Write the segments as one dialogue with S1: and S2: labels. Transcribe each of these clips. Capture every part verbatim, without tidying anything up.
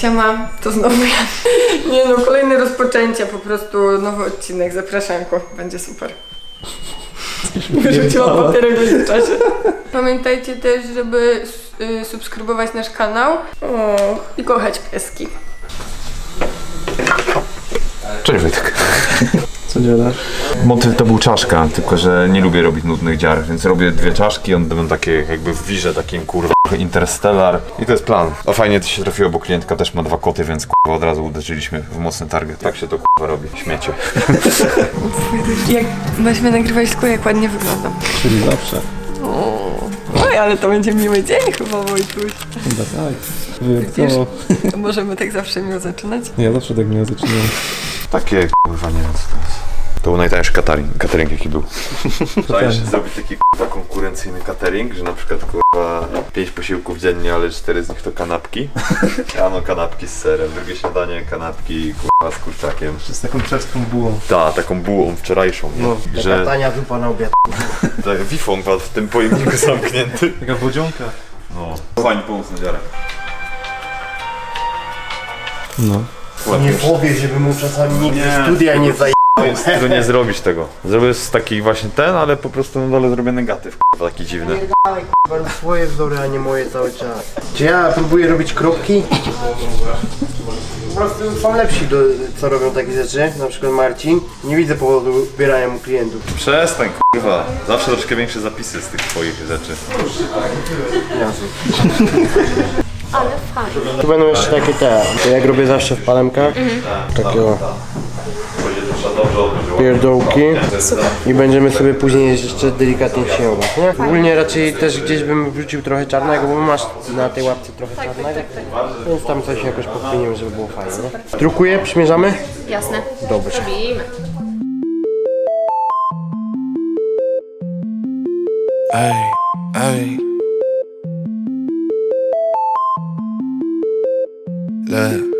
S1: Siema, to znowu ja. Nie no, kolejne rozpoczęcie, po prostu nowy odcinek, zapraszanko, będzie super. Wyrzuciłam papierek w międzyczasie. Pamiętajcie też, żeby y, subskrybować nasz kanał o, i kochać pieski.
S2: Cześć Wojtek.
S3: Co dziadasz?
S2: Motyw to był czaszka, tylko że nie lubię robić nudnych dziar, więc robię dwie czaszki, one będą takie jakby w wirze takim kurwa Interstellar i to jest plan. O fajnie to się trafiło, bo klientka też ma dwa koty, więc kurwa od razu uderzyliśmy w mocny target. Tak się to kurwa robi, śmiecie.
S1: Jak weźmy nagrywać tylko jak ładnie wyglądam.
S3: Czyli zawsze.
S1: Oj, ale to będzie miły dzień chyba, Wojtuś.
S3: Chyba tak. Wyjątkowo.
S1: To możemy tak zawsze miło zaczynać?
S3: Ja zawsze tak miło zaczynam.
S2: Takie kurwa nie wiem co to jest. To był najtańszy catering, catering jaki był. Chciałeś zrobić taki kurwa konkurencyjny catering, że na przykład kurwa pięć posiłków dziennie, ale cztery z nich to kanapki. Rano kanapki z serem, drugie śniadanie kanapki kurwa z kurczakiem.
S3: Z taką czeską bułą.
S2: Ta, taką bułą wczorajszą, nie?
S4: No,
S2: że
S4: taka tania zupa na obiad.
S2: tak, wifon w tym pojemniku zamknięty.
S3: Taka wodzionka.
S2: No. Fajnie pomóc na dziarę.
S3: No.
S4: Nie powie, żeby mu czasami nikt
S2: Nie.
S4: ze studia nie zajebał.
S2: Jest tego nie zrobić tego. Zrobię z taki właśnie ten, ale po prostu na dole zrobię negatyw, kurwa, taki dziwny.
S4: Dawaj, k***a, swoje wzory, a nie moje cały czas. Czy ja próbuję robić kropki? Po prostu są lepsi, do, co robią takie rzeczy, na przykład Marcin. Nie widzę powodu ubierania mu klientów.
S2: Przestań, kurwa. Zawsze troszkę większe zapisy z tych twoich rzeczy.
S5: Ale fajnie.
S4: Tu będą jeszcze takie te, to jak robię zawsze w palemkach. Takiego pierdołki. I będziemy sobie później jeszcze delikatnie sięgać, nie? Ogólnie raczej też gdzieś bym wrzucił trochę czarnego, bo masz na tej łapce trochę czarnego. Więc tam coś jakoś podpienimy, żeby było fajnie, nie? Drukuję, przymierzamy?
S5: Jasne.
S4: Dobrze.
S5: Robimy.
S6: Ay, ay. Look.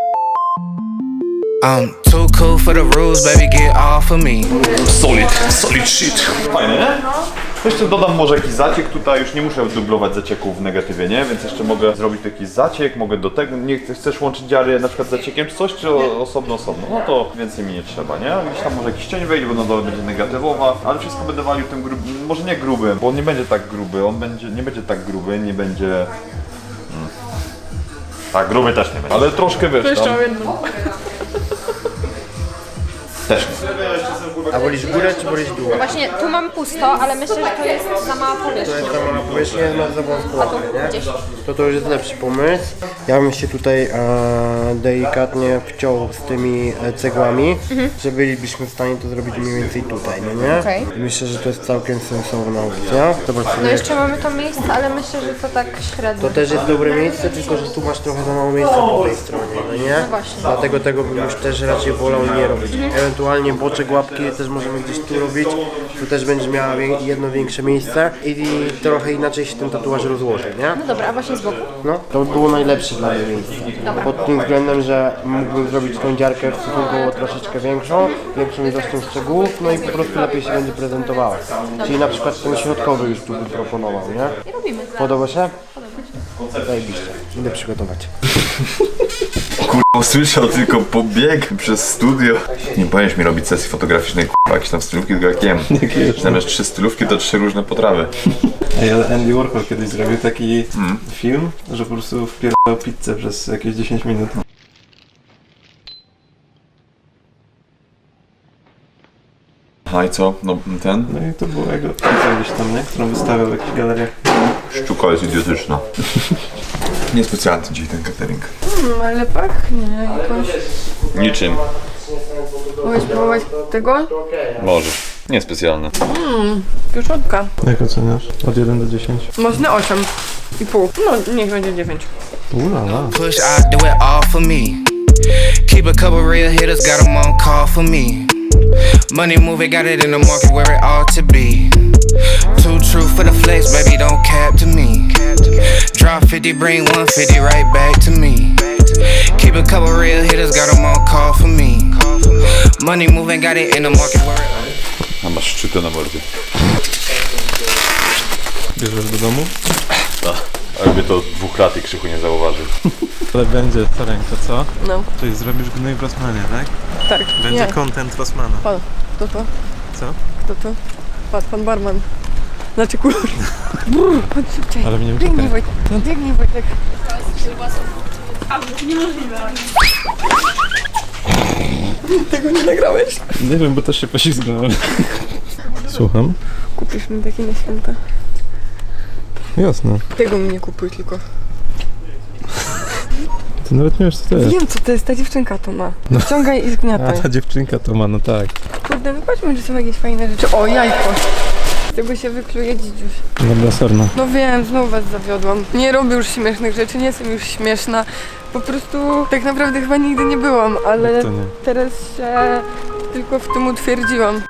S6: I'm too cool for the rules, baby, get off of me.
S2: Solid, solid shit. Fajne, nie? Jeszcze dodam może jakiś zaciek tutaj, już nie muszę dublować zacieków w negatywie, nie? Więc jeszcze mogę zrobić jakiś zaciek, mogę do tego, nie chcesz łączyć dziary na przykład z zaciekiem czy coś, czy osobno, osobno, no to więcej mi nie trzeba, nie? Gdzieś tam może jakiś cień wejdzie, bo na dole będzie negatywowa, ale wszystko będę walił tym grubym, może nie grubym, bo on nie będzie tak gruby, on będzie, nie będzie tak gruby, nie będzie... Hmm. Tak, gruby też nie będzie, ale troszkę wiesz tam... Też nie.
S4: A wolisz górę czy wolisz dół?
S5: Właśnie tu mam pusto, ale myślę, że to jest za mała
S4: To
S5: powierzchnia.
S4: jest za mała powierzchnia, masz za wąską łapkę, nie?
S5: Gdzieś.
S4: To to już jest lepszy pomysł. Ja bym się tutaj e, delikatnie wciął z tymi e, cegłami, mhm. że bylibyśmy w stanie to zrobić mniej więcej tutaj, no nie?
S5: Okej.
S4: Myślę, że to jest całkiem sensowna opcja. Zobacz sobie.
S5: No jeszcze mamy to miejsce, ale myślę, że to tak średnio.
S4: To też jest dobre miejsce, tylko że tu masz trochę za mało miejsca po tej stronie, no nie?
S5: No właśnie.
S4: Dlatego tego bym już też raczej wolał nie robić. Ewentualnie boczek łapki też możemy gdzieś tu robić. Tu też będziesz miała wie- jedno większe miejsce i, i trochę inaczej się ten tatuaż rozłoży, nie?
S5: No dobra, a właśnie z boku?
S4: No, to by było najlepsze dla mnie miejsce. Pod tym względem, że mógłbym zrobić tą dziarkę stosunkowo troszeczkę większą, większą ilością szczegółów, no i po prostu lepiej się będzie prezentowała. Czyli na przykład ten środkowy już tu bym proponował, nie?
S5: I robimy.
S4: Podoba się? Zajebiście. Idę przygotować.
S2: Kurwa, usłyszał tylko pobieg przez studio. Nie powinieneś mi robić sesji fotograficznej, kurwa, jakieś tam stylówki, tylko jak jem. Zamiast trzy stylówki, to trzy różne potrawy.
S3: Ej, ale Andy Warhol kiedyś zrobił taki hmm. film, że po prostu wpierdał pizzę przez jakieś dziesięć minut.
S2: A i co? No ten?
S3: No i to było jego pizza gdzieś tam, nie? Którą wystawiał w jakichś galeriach.
S2: Szczuka jest idiotyczna. Niespecjalny dzisiaj ten catering.
S1: Hmm, ale pachnie jakąś...
S2: Niczym.
S1: Mogę spróbować tego?
S2: Możesz. Niespecjalny.
S1: Mmm, pieczonka.
S3: Jak oceniasz? Od jeden do dziesięciu.
S1: Mocny osiem i pół. No, niech będzie dziewięć.
S3: Ulala.
S6: Push, I do it all for me. Keep a couple real hitters, got them on call for me. Money moving, got it in the market where it ought to be. Too true for the flex, baby, don't cap to me. Drop fifty, bring one fifty right back to me. Keep a couple real hitters, got them on call for me. Money moving, got it in the market where it ought to be.
S2: A masz szczytę na mordzie.
S3: Bierzesz do domu?
S2: No. Jakby to dwóch lat i Krzychu nie zauważył.
S3: Ale będzie Sarenko, co?
S1: No,
S3: Czyli zrobisz gnój w Rossmanie, tak?
S1: tak.
S3: Będzie
S1: Nie.
S3: content Rossmana.
S1: Pan, kto to?
S3: Co?
S1: Kto to? Pan, pan barman. Znaczy kur... Brr, chodź szybciej.
S3: Ale mnie
S1: Biegnij
S3: uciekaj.
S1: Wojtek, biegnij Wojtek. Tego nie nagrałeś?
S3: Nie wiem, bo też się poślizgnąłem. Słucham?
S1: Kupisz mi taki na święta.
S3: Jasne.
S1: Tego mi nie kupuj tylko.
S3: Ty nawet nie wiesz, co to jest.
S1: Wiem co to jest, ta dziewczynka to ma. Ściągaj i
S3: A
S1: zgniataj.
S3: ta dziewczynka to ma, no tak.
S1: Kurde, no patrzmy, że są jakieś fajne rzeczy. O, jajko. Z tego się wykluje dzidziuś.
S3: Dobra, sorna.
S1: No wiem, znowu was zawiodłam. Nie robię już śmiesznych rzeczy, nie jestem już śmieszna. Po prostu tak naprawdę chyba nigdy nie byłam, ale
S3: To nie.
S1: teraz się tylko w tym utwierdziłam.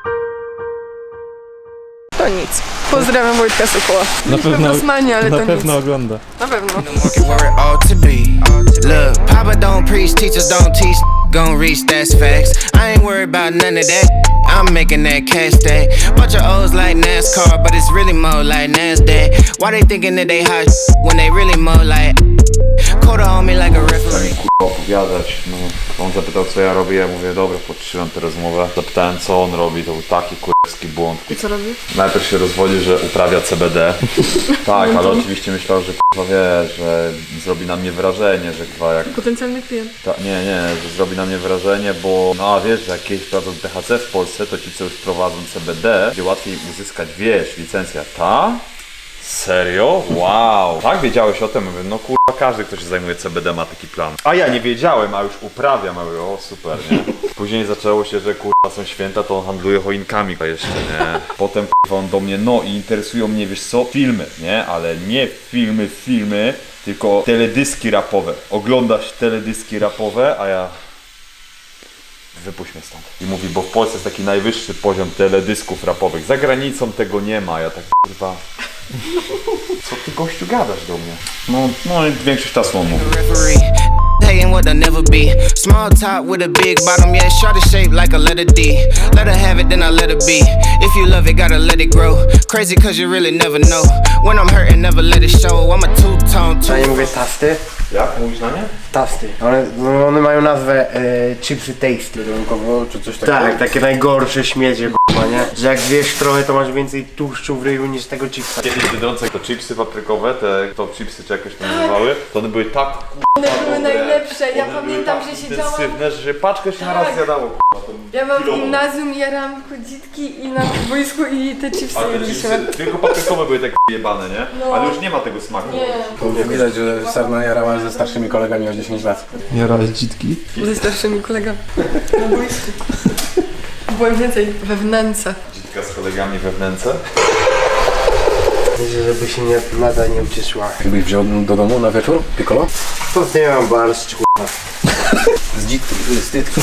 S1: To nic. Pozdrawiam Wojtka Sokoła.
S3: Na
S1: Byliśmy w
S3: pewno,
S1: Rossmanie, ale
S3: na
S1: to
S3: pewno
S1: nic.
S3: ogląda.
S1: Na pewno.
S6: The market where it ought to be. Look, Papa don't preach, teachers don't teach. Gon' reach, that's facts. I ain't worried about none of that. I'm making that cash stack. Bunch of O's like NASCAR, but it's really more like NASDAQ. Why they thinking that they hot when they really more like Coda on me like a referee.
S2: Opowiadać, no. On zapytał co ja robię, ja mówię dobra, podtrzymam tę rozmowę. Zapytałem co on robi, to był taki kurewski błąd.
S1: I co robisz?
S2: Najpierw się rozwodzi, że uprawia C B D. Tak, ale oczywiście myślał, że kurwa wie, że zrobi na mnie wrażenie, że kurwa jak...
S1: Potencjalny klient.
S2: Ta, nie, nie, że zrobi na mnie wrażenie, bo no a wiesz, że jak kiedyś prowadzą T H C w Polsce, to ci co już prowadzą C B D, będzie łatwiej uzyskać, wiesz, licencja. Ta? Serio? Wow! Tak wiedziałeś o tym? Mówię, no kurwa, każdy, kto się zajmuje C B D ma taki plan. A ja nie wiedziałem, a już uprawiam, a mówię, o super, nie? Później zaczęło się, że kurwa są święta, to on handluje choinkami jeszcze, nie? Potem kurwa on do mnie, no i interesują mnie, wiesz co, filmy, nie? Ale nie filmy, filmy, tylko teledyski rapowe. Oglądasz teledyski rapowe, a ja... Wypuść mnie stąd. I mówi, bo w Polsce jest taki najwyższy poziom teledysków rapowych. Za granicą tego nie ma, ja tak kurwa... Co ty gościu gadasz do mnie? No, no i większość czasu on mówi.
S6: Referee. Hating what they'll never be. Small top with a big bottom, yeah, shorty shaped like a letter D. Let her have it, then I let her be. If you love it, gotta let it grow. Crazy cause you really never know. When I'm hurting, never let it show. I'm a two-tone,
S4: Ja nie
S6: two
S4: mówię tasty.
S2: Jak? Mówisz na nie?
S4: Tasty. One, no, one mają nazwę e, chipsy tasty.
S3: czy coś takiego?
S4: Tak, takie najgorsze śmiecie, k***a, nie? Że jak zjesz trochę, to masz więcej tłuszczu w ryju niż tego chipsa.
S2: Kiedyś Biedronce to chipsy paprykowe, te top chipsy czy jakoś to nazywały, to one były tak
S1: One były najlepsze, ja
S2: one
S1: pamiętam,
S2: były tak
S1: że siedziałam...
S2: intensywne, że się paczkę się na raz
S1: Tak.
S2: zjadało.
S1: Ja mam w
S2: Kilowo.
S1: gimnazjum, jarałam chodzitki i na boisku i te chipsy
S2: Ale te
S1: jedliśmy.
S2: chipsy tylko paprykowe były tak jebane, nie?
S1: No.
S2: Ale już nie ma tego smaku.
S1: Nie.
S7: Widać, że Sarna jarała ze starszymi kolegami o dziesięć lat.
S3: Jarałeś dzitki?
S1: Ze starszymi kolegami. Na boisku. Byłem więcej we wnęce.
S2: Dzitka z kolegami we wnęce.
S4: Myślę, żeby się nie, nada nie ucieszyła.
S7: Jakbyś wziął do domu na wieczór? Piccolo?
S4: To nie mam barszcz, k***a.
S7: Z dzitki, z tytki.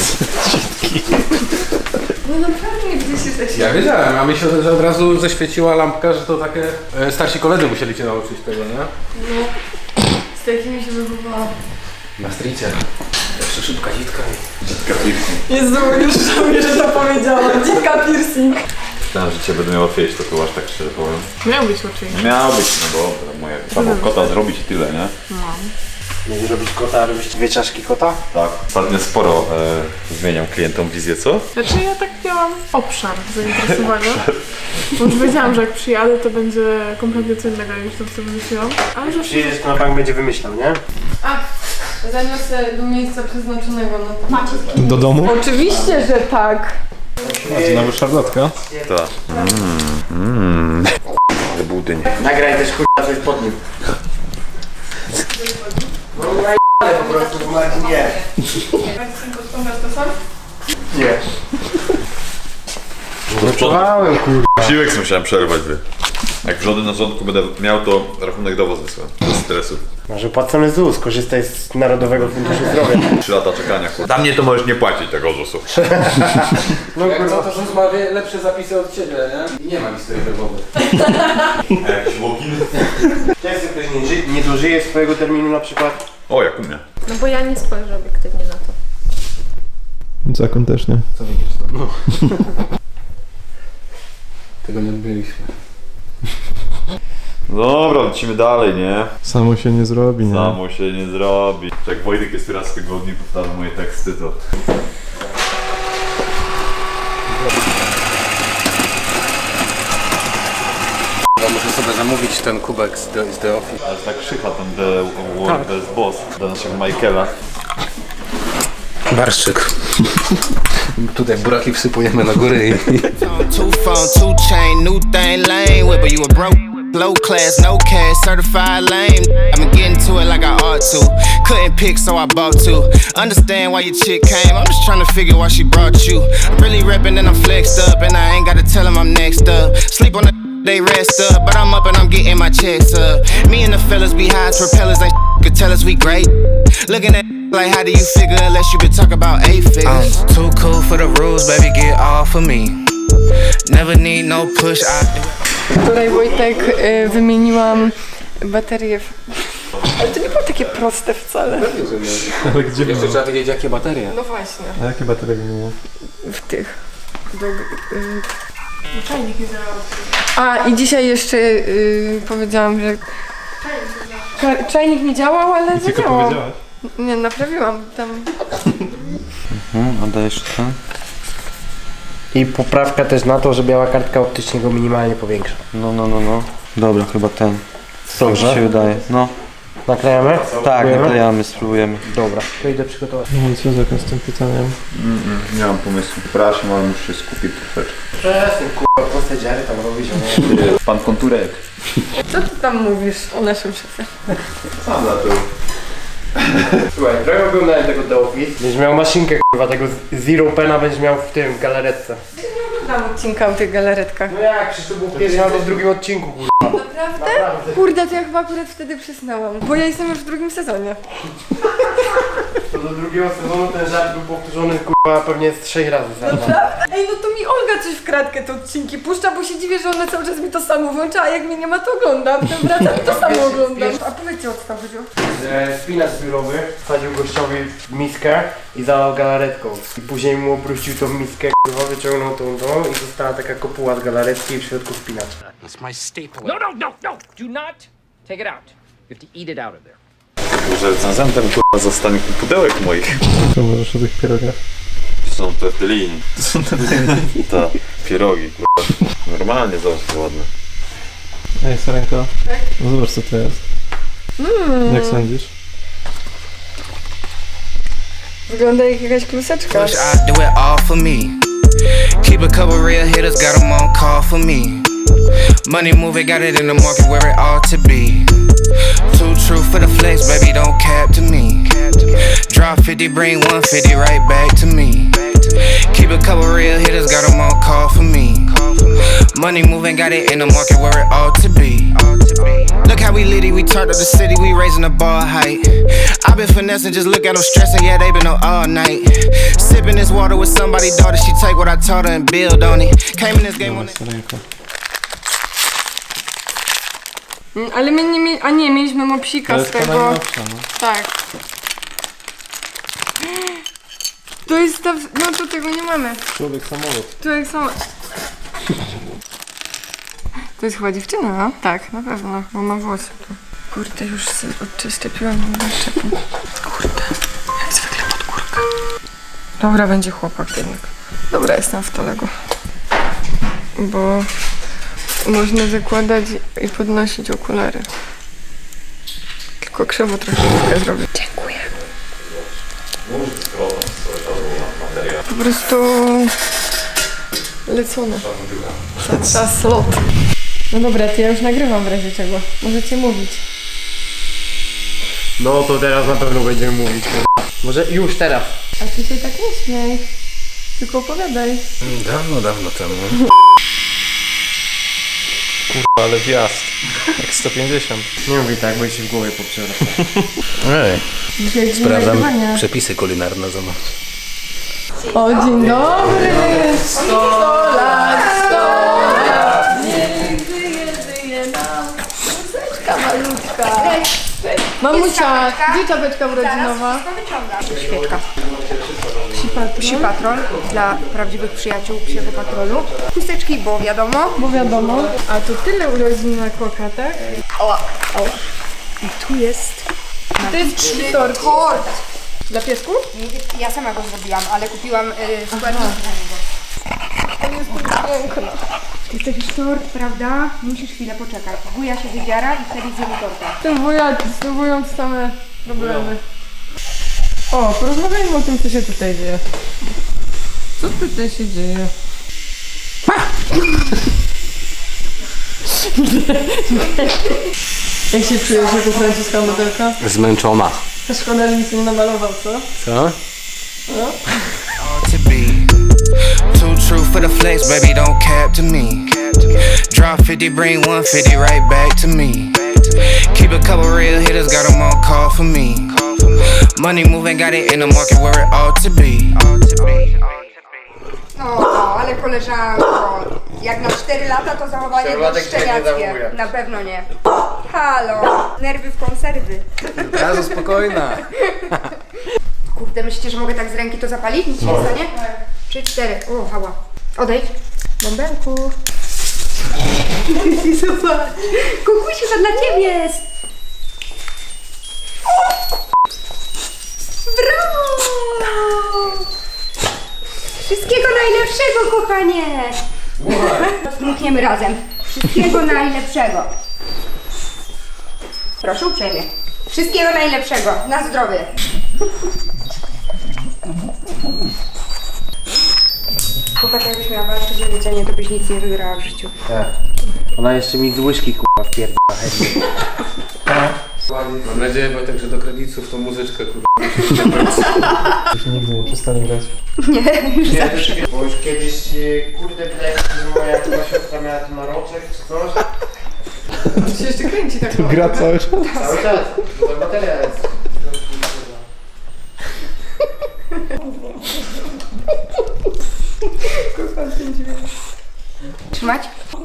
S1: No naprawdę nie gdzieś jesteś.
S7: Ja wiedziałem, a mi się że od razu zaświeciła lampka, że to takie... E, starsi koledzy musieli cię nauczyć tego, nie?
S1: No. Z takimi się wychowałam.
S7: Na stricie. Jeszcze szybka dzitka i...
S2: Dzitka piercing.
S1: Jezu, już żałuję, że to powiedziałam. Dzitka piercing.
S2: Myślałem, że cię będę miał łatwiejsze, to tu aż tak szczerze powiem.
S1: Miał być oczywiście.
S2: Miał być, no dobra, moja trzeba było kota zrobić i tyle, nie?
S4: Nie robić kota, a robić dwie czaszki kota?
S2: Tak. Ostatnio sporo e, zmieniam klientom wizję, co?
S8: Znaczy ja tak miałam obszar zainteresowania, bo już wiedziałam, że jak przyjadę, to będzie kompletnie co innego niż to, co wymyśliłam, ale że
S4: Przyjedziesz, to na bank będzie wymyślał, nie?
S1: A, zaniosę do miejsca przeznaczonego na to.
S3: Do domu?
S1: Oczywiście, że tak.
S3: A to nawet szarlotka?
S2: Tak. Mmm, mmm. Ale budyń.
S4: Nagraj też k***a coś pod nim. No ale po prostu, bo Marcin nie.
S1: Posprzątasz to sam?
S4: Nie. Gotowałem, kurwa.
S2: Siłek sobie musiałem przerwać, by. Jak wrzody na rządku będę miał, to rachunek do was wysłałem. Bez stresu.
S4: Może płacony Z U S, korzystaj z Narodowego Funduszu Zdrowia.
S2: Trzy lata czekania, kurwa. Dla mnie to możesz nie płacić tego zusu.
S4: No
S7: Jak
S4: kurwa.
S7: to, to ma wie- lepsze zapisy od ciebie, nie? I nie ma historii herbowej.
S2: A jakieś łokiny?
S4: Często ktoś nie, ży- nie dożyje swojego terminu na przykład.
S2: O, jak u mnie.
S5: No bo ja nie spojrzę obiektywnie na to.
S3: Zakon też nie.
S7: Co widzisz to? No. Tego nie odbyliśmy.
S2: Dobra, lecimy dalej, nie?
S3: Samo się nie zrobi, nie?
S2: Samo się nie zrobi. Jak Wojtek jest raz w tygodniu powtarza moje teksty, to...
S7: Ja muszę sobie zamówić ten kubek z The, z the Office.
S2: Ale tak krzycha ten The World Best Boss dla naszego Michaela.
S7: Barszczyk. Tutaj buraki wsypujemy na górę i...
S6: Two phone, two chain, new thing, lame whip, but you a broke, low class, no cash, certified lame. I've been getting to it like I ought to. Couldn't pick, so I bought two. Understand why your chick came, I'm just trying to figure why she brought you. I'm really reppin' and I'm flexed up, and I ain't gotta tell them I'm next up. Sleep on the they rest up, but I'm up and I'm getting my checks up. Me and the fellas be high as propellers, ain't could tell us we great. Looking at like how do you figure unless you been talk about eight figures. I'm too cool for the rules, baby, get off of me. Never need no push, I do.
S1: Wczoraj, Wojtek, y, wymieniłam baterię w... Ale to nie było takie proste wcale.
S3: Ale gdzie
S7: Jeszcze
S3: było?
S7: trzeba wiedzieć jakie baterie.
S1: No właśnie,
S3: A jakie baterie wymieniasz?
S1: w tych. Do, y,
S8: Czajnik nie działał.
S1: A, i dzisiaj jeszcze y, powiedziałam, że... Ka- Czajnik nie działał, ale
S3: Tylko
S1: zadziałał.
S3: powiedziałaś?
S1: Nie, naprawiłam tam.
S4: Mhm, oddajesz to. I poprawka też na to, że biała kartka optycznie go minimalnie powiększa.
S9: No, no, no, no. Dobra, chyba ten.
S4: Dobrze.
S9: Tak mi się wydaje. No.
S4: Naklejamy?
S9: Tak,
S4: Spróbujemy?
S9: naklejamy, spróbujemy.
S4: Dobra, to idę przygotować.
S3: No i co z tym pytaniem?
S2: Mm, nie mam pomysłu. Przepraszam, ale muszę się skupić troszeczkę.
S4: Przestań, kurwa, proste dziary tam robić, a
S2: Pan Konturek.
S1: Co ty tam mówisz o naszym szefie?
S2: Sam zaczął.
S4: Słuchaj, trochę oglądałem tego The Office. Będziesz miał maszynkę, kurwa, tego Zero Pena będziesz miał w tym, galaretce.
S1: Tam odcinka o tych galaretkach.
S4: No jak, przecież to było w pierwszym albo w drugim odcinku, kurwa.
S1: Naprawdę? Kurde, to ja chyba akurat wtedy przysnęłam. Bo ja jestem już w drugim sezonie.
S4: To do drugiego sezonu ten żart był powtórzony, kurwa, pewnie z trzech razy.
S1: Ej, no to mi Olga coś w kratkę te odcinki puszcza, bo się dziwię, że ona cały czas mi to samo włącza, a jak mnie nie ma, to oglądam. Potem wracam i to samo oglądam. A powiedzcie, o co tam chodziło?
S4: Że spinacz biurowy wsadził gościowi w miskę i zalał galaretką. I później mu obrócił tą miskę, kurwa, wyciągnął tą tą i została taka kopuła z galaretki i w środku spinacz.
S6: It's my staple.
S10: No, no, no, no! Do not take it out. You have to eat it out of there.
S2: Może recenzentem kurwa zostanie pudełek moich.
S3: Co możesz o tych pierogach?
S2: Są te tylini. To są te Ta, pierogi kurwa. Normalnie, zobacz, to ładne.
S3: Ej, Sarenko. No zobacz co to jest.
S1: Mm.
S3: Jak sądzisz?
S1: Wygląda jak jakaś kluseczka.
S6: Push, I do it all for me. Keep a couple real hitters, got them on call for me. Money moving, got it in the market where it ought to be. Too true for the flex, baby, don't cap to me. Drop fifty, bring one fifty right back to me. Keep a couple real hitters, got them on call for me. Money moving, got it in the market where it ought to be. Look how we litty, we turned up the city, we raising the bar height. I've been finessing, just look at them stressing, yeah, they been up all night. Sipping this water with somebody's daughter, she take what I taught her and build on it. Came in this game on it.
S3: Sarenko.
S1: Mm, Ale my nie mieli... A nie, mieliśmy mopsika
S3: To
S1: z
S3: jest
S1: tego...
S3: to najnowsza, no.
S1: Tak. To jest ta... w- No to tego nie mamy.
S3: Człowiek samolot.
S1: Tu jak są... To jest chyba dziewczyna, no? Tak, na pewno, bo ma włosy tu. Kurde, już sobie odczepiłam odczepię. Kurde, jak zwykle pod górkę. Dobra, będzie chłopak jednak. Dobra, jestem w Tolego. Bo można zakładać i podnosić okulary. Tylko krzywo troszeczkę zrobię. Dziękuję. Po prostu lecone. Za slot. No dobra, to ja już nagrywam w razie czego. Możecie mówić.
S4: No to teraz na pewno będziemy mówić, kurwa. Może już teraz.
S1: A ty się tak nie śmiej. Tylko opowiadaj.
S7: Dawno, dawno temu.
S3: Ale wjazd. Jak sto pięćdziesiąt.
S4: Nie mówię tak, bo się w głowie poprzera.
S7: Ej,
S1: Dzisiaj dzień
S7: sprawdzam
S1: nagrywania.
S7: przepisy kulinarne, zobacz.
S1: O, dzień dobry! sto lat, sto lat! Niech żyje, żyje nam. Muzyczka malutka. Mamusia, gdzie czapeczka urodzinowa? Świeczka. patrol.
S11: Psi patrol dla prawdziwych przyjaciół psiego patrolu. Chusteczki, bo wiadomo.
S1: Bo wiadomo. A to tyle urodzin na Koka, tak?
S11: Oła, oła. I tu jest
S1: To jest tort.
S11: tort.
S1: Dla piesków?
S11: Ja sama go zrobiłam, ale kupiłam y, składniki dla niego.
S1: To jest piękne.
S11: Ty chcesz tort, prawda? Musisz chwilę poczekać. Wuja się wydziara i wtedy zjemy torta.
S1: Ten wuja znowu same problemy. O, porozmawiajmy o tym, co się tutaj dzieje. Co tutaj się dzieje? Jak się czujesz jako francuska modelka?
S7: Zmęczona.
S1: Szkoda, że nic nie namalował, co?
S7: Co?
S1: No?
S6: To be too true for the flex, baby, don't cap to me. Drop fifty, bring one fifty right back to me. Keep a couple real hitters, got them on call for me. Money moving, got it in the market where it ought to be.
S11: No, ale koleżanko, jak na cztery lata to zachowanie było szczeniackie. Na pewno nie. Halo, nerwy w konserwy.
S7: Razu spokojna.
S11: Kurde, myślicie, że mogę tak z ręki to zapalić? Nic się nie stanie? Trzy, cztery. O, hała. Odejdź. Bąbelku. Zobacz. Kukusiu, to dla ciebie jest. Brawo! Wszystkiego najlepszego, kochanie! Dmuchniemy razem. Wszystkiego najlepszego. Proszę uprzejmie. Wszystkiego najlepszego. Na zdrowie. Chłopak, jakbyś miała walczyć o jedzenie, to byś nic nie wygrała w życiu.
S4: Tak. Ona jeszcze mi z łyżki kurwa wpierdala chętnie.
S7: Mam nadzieję, Wojtek, że do kredytów tą muzyczkę kurwa.
S3: Już nigdy nie przestanę grać.
S11: Nie, już
S4: Nie,
S11: zawsze.
S4: bo już kiedyś, e, kurde, wydaje mi się, że moja chyba siostra miała tu naroczek czy coś.
S1: To się jeszcze kręci tak.
S3: Gra cały czas.
S4: Cały czas, to bateria jest.
S11: Trzymać?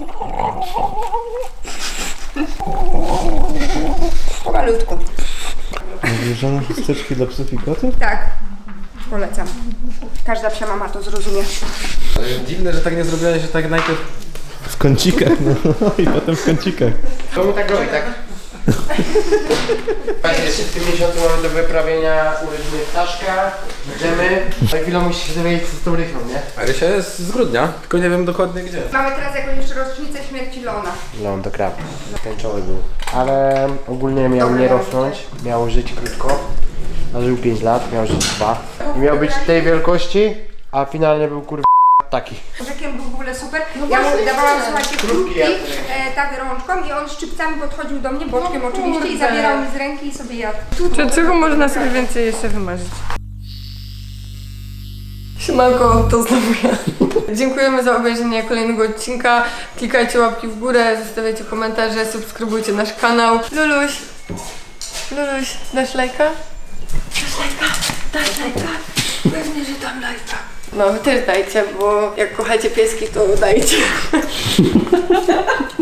S11: Malutko.
S3: Wybierzone chusteczki dla psów i kotów?
S11: Tak. Polecam. Każda psia mama to zrozumie.
S7: Ale dziwne, że tak nie zrobiłaś, że tak najpierw...
S3: W kącikach, no i potem w kącikach.
S4: To my tak robi, tak? Właśnie, jeszcze w tym miesiącu mamy do wyprawienia urodziny ptaszka, dżemy. Za chwilę musisz się dowiedzieć co z tą rychą, nie?
S7: A Rysia jest z grudnia, tylko nie wiem dokładnie gdzie.
S11: Mamy teraz jakąś jeszcze rocznicę śmierci Lona.
S4: Leon to krab. Tęczowy był. Ale ogólnie miał nie rosnąć, miał żyć krótko. A żył pięć lat, miał żyć dwa. I miał być tej wielkości, a finalnie był kurwa taki.
S11: Rzekiem był w ogóle super. Ja mu dawałam, słuchajcie, krótki, e, tak rączką i on szczypcami podchodził do mnie, boczkiem oczywiście, i zabierał mi z ręki i sobie jadł.
S1: Czy czego można sobie więcej jeszcze wymarzyć? Siemanko, to znowu ja. Dziękujemy za obejrzenie kolejnego odcinka. Klikajcie łapki w górę, zostawiajcie komentarze, subskrybujcie nasz kanał. Luluś, Luluś, dasz lajka? Dasz lajka? Dasz lajka? Pewnie, że dam lajka. No, wy też dajcie, bo jak kochacie pieski, to dajcie.